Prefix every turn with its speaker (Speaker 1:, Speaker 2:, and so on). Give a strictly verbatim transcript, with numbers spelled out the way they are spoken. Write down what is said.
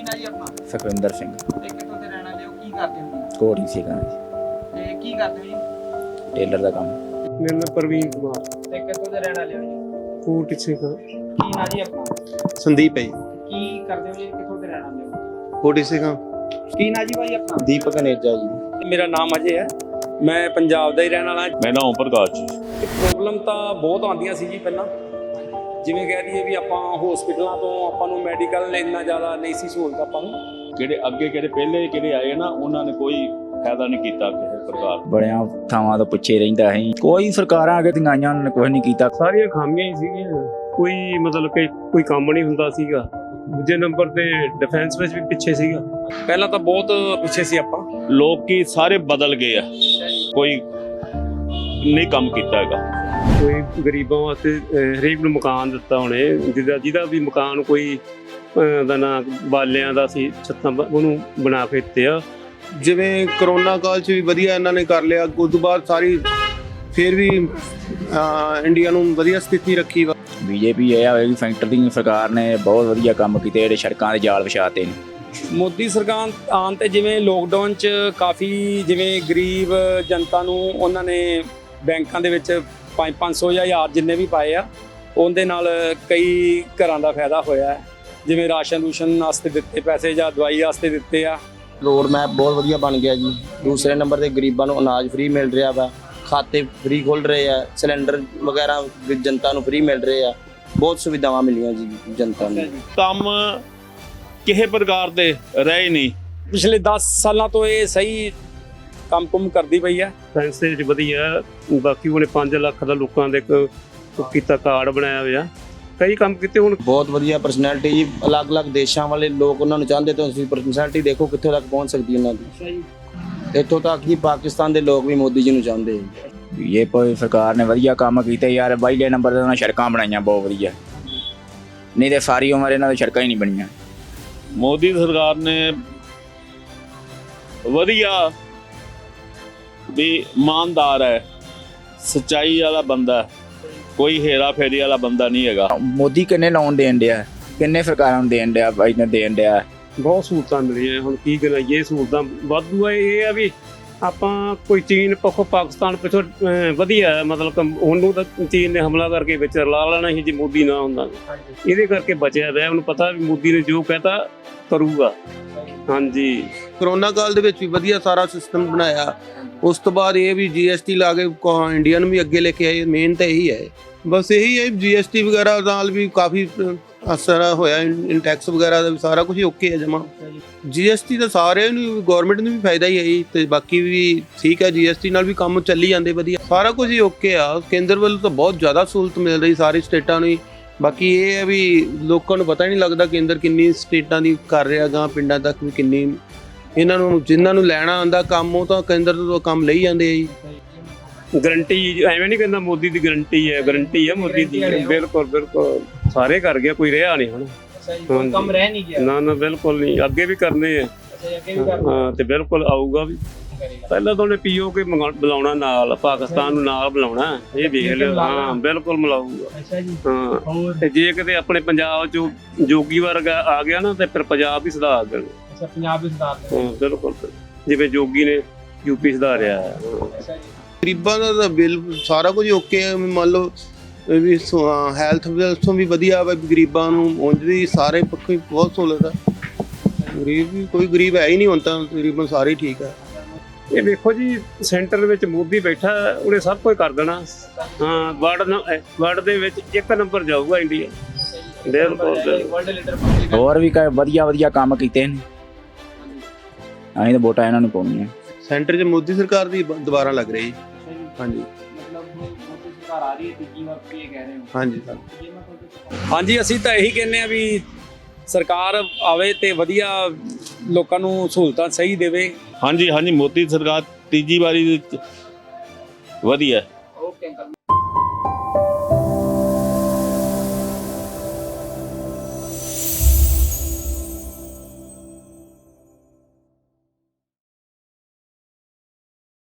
Speaker 1: ਕੀ ਨਾਂ ਜੀ ਆਪਣਾ?
Speaker 2: ਸੁਖਵਿੰਦਰ ਸਿੰਘ।
Speaker 1: ਤੇ ਕਿੱਥੋਂ ਦੇ ਰਹਿਣ ਵਾਲੇ ਹੋ? ਕੀ ਕਰਦੇ ਹੋ ਜੀ?
Speaker 2: ਕੋੜੀ ਸੀਗਾ ਜੀ,
Speaker 1: ਤੇ ਕੀ ਕਰਦੇ ਹੋ ਜੀ?
Speaker 2: ਟੇਲਰ ਦਾ ਕੰਮ।
Speaker 3: ਮੇਰਾ ਨਾਮ ਪ੍ਰਵੀਨ ਕੁਮਾਰ।
Speaker 1: ਤੇ ਕਿੱਥੋਂ ਦੇ ਰਹਿਣ ਵਾਲੇ ਹੋ ਜੀ?
Speaker 3: ਕੋਟ ਸਿੰਘ।
Speaker 1: ਕੀ ਨਾਂ ਜੀ ਆਪਣਾ?
Speaker 4: ਸੰਦੀਪ ਹੈ ਜੀ।
Speaker 1: ਕੀ ਕਰਦੇ ਹੋ ਜੀ? ਕਿੱਥੋਂ ਦੇ ਰਹਿਣ ਵਾਲੇ ਹੋ?
Speaker 4: ਕੋਟੀ ਸਿੰਘ।
Speaker 1: ਕੀ ਨਾਂ ਜੀ ਭਾਈ ਆਪਣਾ?
Speaker 4: ਦੀਪਕ ਨੇਜਾ ਜੀ।
Speaker 5: ਮੇਰਾ ਨਾਮ ਅਜੇ ਹੈ, ਮੈਂ ਪੰਜਾਬ ਦਾ ਹੀ ਰਹਿਣ ਵਾਲਾ।
Speaker 6: ਮੇਰਾ ਨਾਮ ਓਮ ਪ੍ਰਕਾਸ਼ ਜੀ।
Speaker 5: ਪ੍ਰੋਬਲਮ ਤਾਂ ਬਹੁਤ ਆਉਂਦੀਆਂ ਸੀ ਜੀ ਪਹਿਲਾਂ, ਜਿਵੇਂ ਕਹਿ ਦਈਏ ਵੀ ਆਪਾਂ ਹਸਪੀਟਲਾਂ ਤੋਂ ਆਪਾਂ ਨੂੰ ਮੈਡੀਕਲ ਇੰਨਾ ਜ਼ਿਆਦਾ ਨਹੀਂ ਸੀ ਸਹੂਲਤ ਆਪਾਂ ਨੂੰ।
Speaker 6: ਜਿਹੜੇ ਅੱਗੇ ਕਿਹੜੇ ਪਹਿਲੇ ਜਿਹੜੇ ਆਏ ਨਾ ਉਹਨਾਂ ਨੇ ਕੋਈ ਫਾਇਦਾ ਨਹੀਂ ਕੀਤਾ ਕਿਸੇ ਪ੍ਰਕਾਰ।
Speaker 2: ਬੜਿਆਂ ਥਾਵਾਂ ਤੋਂ ਪਿੱਛੇ ਰਹਿੰਦਾ ਸੀ, ਕੋਈ ਸਰਕਾਰਾਂ ਅੱਗੇ ਤੰਗਾਈਆਂ ਉਹਨਾਂ ਨੇ ਕੁਝ ਨਹੀਂ ਕੀਤਾ।
Speaker 3: ਸਾਰੀਆਂ ਖਾਮੀਆਂ ਹੀ ਸੀਗੀਆਂ, ਕੋਈ ਮਤਲਬ ਕਿ ਕੋਈ ਕੰਮ ਨਹੀਂ ਹੁੰਦਾ ਸੀਗਾ। ਦੂਜੇ ਨੰਬਰ ਤੇ ਡਿਫੈਂਸ ਵਿੱਚ ਵੀ ਪਿੱਛੇ ਸੀਗਾ।
Speaker 5: ਪਹਿਲਾਂ ਤਾਂ ਬਹੁਤ ਪਿੱਛੇ ਸੀ ਆਪਾਂ।
Speaker 6: ਲੋਕੀ ਸਾਰੇ ਬਦਲ ਗਏ ਆ, ਕੋਈ ਨਹੀਂ ਕੰਮ ਕੀਤਾ ਹੈਗਾ।
Speaker 3: ਕੋਈ ਗਰੀਬਾਂ ਵਾਸਤੇ ਅਹ, ਹਰੇਕ ਨੂੰ ਮਕਾਨ ਦਿੱਤਾ ਉਹਨੇ, ਜਿਹਦਾ ਜਿਹਦਾ ਵੀ ਮਕਾਨ ਕੋਈ ਅਹ, ਦਾ ਨਾਂ ਬਾਲਿਆਂ ਦਾ ਸੀ, ਛੱਤਾਂ ਬ- ਉਹਨੂੰ ਬਣਾ ਕੇ ਦਿੱਤੇ ਆ।
Speaker 4: ਜਿਵੇਂ ਕਰੋਨਾ ਕਾਲ 'ਚ ਵੀ ਵਧੀਆ ਇਹਨਾਂ ਨੇ ਕਰ ਲਿਆ, ਉਸ ਤੋਂ ਬਾਅਦ ਸਾਰੀ ਫਿਰ ਵੀ ਅਹ, ਇੰਡੀਆ ਨੂੰ ਵਧੀਆ ਸਥਿਤੀ ਰੱਖੀ ਵਾ।
Speaker 2: ਬੀਜੇਪੀ ਇਹ ਆ ਵੀ ਸੈਂਟਰ ਦੀ ਸਰਕਾਰ ਨੇ ਬਹੁਤ ਵਧੀਆ ਕੰਮ ਕੀਤੇ, ਜਿਹੜੇ ਸੜਕਾਂ ਦੇ ਜਾਲ ਵਿਛਾਤੇ ਨੇ।
Speaker 5: ਮੋਦੀ ਸਰਕਾਰ ਆਉਣ ਤੇ ਜਿਵੇਂ ਲੋਕਡਾਊਨ 'ਚ ਕਾਫੀ ਜਿਵੇਂ ਗਰੀਬ ਜਨਤਾ ਨੂੰ ਉਹਨਾਂ ਨੇ ਬੈਂਕਾਂ ਦੇ ਵਿੱਚ ਪੰਜ ਪੰਜ ਸੌ ਜਾਂ ਹਜ਼ਾਰ ਜਿੰਨੇ ਵੀ ਪਾਏ ਆ, ਉਹਦੇ ਨਾਲ ਕਈ ਘਰਾਂ ਦਾ ਫਾਇਦਾ ਹੋਇਆ ਹੈ। ਜਿਵੇਂ ਰਾਸ਼ਨ ਰੂਸ਼ਨ ਵਾਸਤੇ ਦਿੱਤੇ ਪੈਸੇ ਜਾਂ ਦਵਾਈ ਵਾਸਤੇ ਦਿੱਤੇ ਆ।
Speaker 7: ਰੋਡ ਮੈਪ ਬਹੁਤ ਵਧੀਆ ਬਣ ਗਿਆ ਜੀ। ਦੂਸਰੇ ਨੰਬਰ ਤੇ ਗਰੀਬਾਂ ਨੂੰ ਅਨਾਜ ਫ੍ਰੀ ਮਿਲ ਰਿਹਾ ਵਾ, ਖਾਤੇ ਫ੍ਰੀ ਖੁੱਲ ਰਹੇ ਆ, ਸਿਲੰਡਰ ਵਗੈਰਾ ਜਨਤਾ ਨੂੰ ਫ੍ਰੀ ਮਿਲ ਰਹੇ ਆ। ਬਹੁਤ ਸੁਵਿਧਾਵਾਂ ਮਿਲੀਆਂ ਜੀ ਜਨਤਾ ਨੂੰ।
Speaker 6: ਕੰਮ ਕਿਸੇ ਪ੍ਰਕਾਰ ਦੇ ਰਹੇ ਨਹੀਂ।
Speaker 5: ਪਿਛਲੇ ਦਸ ਸਾਲਾਂ ਤੋਂ ਇਹ ਸਹੀ ਕੰਮ ਕੁਮ ਕਰਦੀ ਪਈ ਹੈ।
Speaker 3: ਸਾਇੰਸ ਦੇ ਵਿੱਚ ਵਧੀਆ। ਬਾਕੀ ਉਹਨੇ ਪੰਜ ਲੱਖ ਦਾ ਲੋਕਾਂ ਦੇ ਇੱਕ ਉਹ ਕੀਤਾ ਕਾਰਡ ਬਣਾਇਆ ਹੋਇਆ, ਕਈ ਕੰਮ ਕੀਤੇ। ਹੁਣ
Speaker 7: ਬਹੁਤ ਵਧੀਆ ਪਰਸਨੈਲਿਟੀ ਜੀ, ਅਲੱਗ-ਅਲੱਗ ਦੇਸ਼ਾਂ ਵਾਲੇ ਲੋਕ ਉਹਨਾਂ ਨੂੰ ਚਾਹੁੰਦੇ, ਤਾਂ ਤੁਸੀਂ ਪਰਸਨੈਲਿਟੀ ਦੇਖੋ ਕਿੱਥੋਂ ਤੱਕ ਪਹੁੰਚ ਸਕਦੀ ਉਹਨਾਂ ਦੀ। ਇੱਥੋਂ ਤੱਕ ਕਿ ਪਾਕਿਸਤਾਨ ਦੇ ਲੋਕ ਵੀ ਮੋਦੀ ਜੀ ਨੂੰ ਚਾਹੁੰਦੇ।
Speaker 2: ਬੀਜੇਪੀ ਸਰਕਾਰ ਨੇ ਵਧੀਆ ਕੰਮ ਕੀਤੇ ਯਾਰ। ਪਹਿਲੇ ਨੰਬਰ ਤੇ ਉਹਨਾਂ ਸੜਕਾਂ ਬਣਾਈਆਂ ਬਹੁਤ ਵਧੀਆ, ਨਹੀਂ ਤੇ ਸਾਰੀ ਉਮਰ ਇਹਨਾਂ ਦੀ ਸੜਕਾਂ ਹੀ ਨਹੀਂ ਬਣੀਆਂ।
Speaker 6: ਮੋਦੀ ਸਰਕਾਰ ਨੇ ਵਧੀਆ ਵੀ ਇਮਾਨਦਾਰ ਹੈ, ਸੱਚਾਈ ਵਾਲਾ ਬੰਦਾ, ਕੋਈ ਹੇਰਾ ਫੇਰੀ ਵਾਲਾ ਬੰਦਾ ਨਹੀਂ ਹੈਗਾ।
Speaker 2: ਮੋਦੀ ਕਿੰਨੇ ਲੋਨ ਦੇਣ ਡਿਆ, ਕਿੰਨੇ ਸਰਕਾਰਾਂ ਨੂੰ ਦੇਣ ਡਿਆ, ਬਾਈ ਨੇ ਦੇਣ ਡਿਆ।
Speaker 3: ਬਹੁਤ ਸਹੂਲਤਾਂ ਮਿਲੀਆਂ। ਹੁਣ ਕੀ ਕਰੀਏ, ਸਹੂਲਤਾਂ ਵਾਧੂ ਆ। ਇਹ ਆ ਵੀ ਆਪਾਂ ਕੋਈ ਚੀਨ ਪੱਖੋਂ ਪਾਕਿਸਤਾਨ ਪਿੱਛੋਂ ਅਹ, ਵਧੀਆ ਹੈ, ਮਤਲਬ ਕਿ ਉਹਨੂੰ ਤਾਂ ਚੀਨ ਨੇ ਹਮਲਾ ਕਰਕੇ ਵਿੱਚ ਰਲਾ ਲੈਣਾ ਸੀ ਜੇ ਮੋਦੀ ਨਾ ਹੁੰਦਾ। ਇਹਦੇ ਕਰਕੇ ਬਚਿਆ ਹੋਇਆ। ਉਹਨੂੰ ਪਤਾ ਵੀ ਮੋਦੀ ਨੇ ਜੋ ਕਹਿਤਾ ਕਰੂਗਾ। ਹਾਂਜੀ,
Speaker 4: ਕਰੋਨਾ ਕਾਲ ਦੇ ਵਿੱਚ ਵੀ ਵਧੀਆ ਸਾਰਾ ਸਿਸਟਮ ਬਣਾਇਆ। ਉਸ ਤੋਂ ਬਾਅਦ ਇਹ ਵੀ ਜੀਐਸਟੀ ਲਾ ਕੇ ਇੰਡੀਆ ਨੂੰ ਵੀ ਅੱਗੇ ਲੈ ਕੇ ਆਏ। ਮੇਨ ਤਾਂ ਇਹੀ ਹੈ, ਬਸ ਇਹੀ ਹੈ। ਜੀਐਸਟੀ ਵਗੈਰਾ ਨਾਲ ਵੀ ਕਾਫੀ ਅਸਰ ਹੋਇਆ, ਇਨ ਟੈਕਸ ਵਗੈਰਾ ਦਾ ਵੀ ਸਾਰਾ ਕੁਝ ਓਕੇ ਹੈ ਜਮਾ। ਜੀਐਸਟੀ ਦਾ ਸਾਰਿਆਂ ਨੂੰ, ਗਵਰਨਮੈਂਟ ਨੂੰ ਵੀ ਫਾਇਦਾ ਹੀ ਹੈ ਜੀ, ਤੇ ਬਾਕੀ ਵੀ ਠੀਕ ਹੈ। ਜੀਐਸਟੀ ਨਾਲ ਵੀ ਕੰਮ ਚੱਲੀ ਜਾਂਦੇ ਵਧੀਆ, ਸਾਰਾ ਕੁਝ ਹੀ ਓਕੇ ਆ। ਕੇਂਦਰ ਵੱਲੋਂ ਤਾਂ ਬਹੁਤ ਜ਼ਿਆਦਾ ਸਹੂਲਤ ਮਿਲ ਰਹੀ ਸਾਰੀ ਸਟੇਟਾਂ ਨੂੰ ਹੀ। ਬਾਕੀ ਇਹ ਹੈ ਵੀ ਲੋਕਾਂ ਨੂੰ ਪਤਾ ਹੀ ਨਹੀਂ ਲੱਗਦਾ ਕੇਂਦਰ ਕਿੰਨੀ ਸਟੇਟਾਂ ਦੀ ਕਰ ਰਿਹਾ, ਗਾਂ ਪਿੰਡਾਂ ਤੱਕ ਵੀ ਕਿੰਨੀ। ਇਹਨਾਂ ਨੂੰ ਜਿਨ੍ਹਾਂ ਨੂੰ ਲੈਣਾ ਆਉਂਦਾ ਕੰਮ, ਉਹ ਤਾਂ ਕੇਂਦਰ ਤੋਂ ਕੰਮ ਲਈ ਜਾਂਦੇ ਆ ਜੀ।
Speaker 3: ਗਰੰਟੀ ਐਵੇਂ ਨਹੀਂ ਕਹਿੰਦਾ ਮੋਦੀ ਦੀ ਗਰੰਟੀ ਹੈ, ਗਰੰਟੀ ਹੈ ਮੋਦੀ ਦੀ। ਬਿਲਕੁਲ ਬਿਲਕੁਲ ਸਾਰੇ ਕਰ ਗਿਆ, ਕੋਈ ਰਿਹਾ ਨਹੀਂ ਹੁਣ।
Speaker 1: ਕੋਈ ਕੰਮ ਰਹਿ ਨਹੀਂ ਗਿਆ।
Speaker 3: ਨਾ ਨਾ ਬਿਲਕੁਲ ਨਹੀਂ, ਅੱਗੇ ਵੀ ਕਰਨੇ ਆ। ਹਾਂ, ਤੇ ਬਿਲਕੁਲ ਆਊਗਾ ਵੀ। ਪਹਿਲਾਂ ਤਾਂ ਉਹਨੇ ਪੀਓ ਕੇ ਬੁਲਾਉਣਾ, ਨਾਲ ਪਾਕਿਸਤਾਨ ਨੂੰ ਨਾਲ ਬੁਲਾਉਣਾ। ਇਹ ਵੇਖ ਲਿਓ। ਹਾਂ ਬਿਲਕੁਲ ਮਿਲਾਊਗਾ। ਹਾਂ, ਤੇ ਜੇ ਕਿਤੇ ਆਪਣੇ ਪੰਜਾਬ ਚੋਂ ਜੋਗੀ ਵਰਗਾ ਆ ਗਿਆ ਨਾ, ਤੇ ਫਿਰ ਪੰਜਾਬ ਵੀ ਸੁਧਾਰ ਦੇਣਾ।
Speaker 1: ਪੰਜਾਬ ਵਿੱਚ ਸੁਧਾਰ।
Speaker 3: ਹਾਂ ਬਿਲਕੁਲ, ਜਿਵੇਂ ਜੋਗੀ ਨੇ ਯੂਪੀ ਸੁਧਾਰਿਆ ਹੈ।
Speaker 4: ਗਰੀਬਾਂ ਦਾ ਤਾਂ ਬਿੱਲ ਸਾਰਾ ਕੁਝ ਓਕੇ ਹੈ। ਮੰਨ ਲਓ ਇਹ ਵੀ ਹੈਲਥ ਤੋਂ ਵੀ ਵਧੀਆ ਵਾ। ਗਰੀਬਾਂ ਨੂੰ ਉਂਝ ਵੀ ਸਾਰੇ ਪੱਖੋਂ ਹੀ ਬਹੁਤ ਸਹੂਲਤ ਹੈ। ਗਰੀਬ ਵੀ ਕੋਈ ਗਰੀਬ ਹੈ ਹੀ ਨਹੀਂ ਹੁਣ ਤਾਂ, ਤਕਰੀਬਨ ਸਾਰੇ ਠੀਕ ਹੈ।
Speaker 3: ਇਹ ਵੇਖੋ ਜੀ, ਸੈਂਟਰ ਵਿੱਚ ਮੋਦੀ ਬੈਠਾ, ਉਹਨੇ ਸਭ ਕੁਝ ਕਰ ਦੇਣਾ। ਹਾਂ, ਵਰਲਡ ਵਰਲਡ ਦੇ ਵਿੱਚ ਇੱਕ ਨੰਬਰ ਜਾਊਗਾ ਇੰਡੀਆ। ਬਿਲਕੁਲ।
Speaker 2: ਹੋਰ ਵੀ ਕਈ ਵਧੀਆ ਵਧੀਆ ਕੰਮ ਕੀਤੇ ਨੇ, ਅਸੀਂ ਤਾਂ ਵੋਟਾਂ ਇਹਨਾਂ ਨੂੰ ਪਾਉਣੀਆਂ।
Speaker 4: ਸੈਂਟਰ 'ਚ ਮੋਦੀ ਸਰਕਾਰ ਦੀ ਬ- ਦੁਬਾਰਾ ਲੱਗ ਰਹੀ। ਹਾਂਜੀ
Speaker 1: ਮਤਲਬ ਮੋਦੀ ਸਰਕਾਰ ਆ ਰਹੀ ਹੈ, ਤੀਜੀ ਵਾਰ ਕੀ ਕਹਿ ਰਹੇ ਹੋ?
Speaker 4: ਹਾਂਜੀ ਸਰ।
Speaker 5: ਹਾਂਜੀ, ਅਸੀਂ ਤਾਂ ਇਹੀ ਕਹਿੰਦੇ ਆ ਵੀ ਸਰਕਾਰ ਆਵੇ ਤੇ ਵਧੀਆ ਲੋਕਾਂ ਨੂੰ ਸਹੂਲਤਾਂ ਸਹੀ ਦੇਵੇ।
Speaker 6: ਹਾਂਜੀ ਹਾਂਜੀ, ਮੋਦੀ ਸਰਕਾਰ ਤੀਜੀ ਵਾਰੀ ਵਧੀਆ।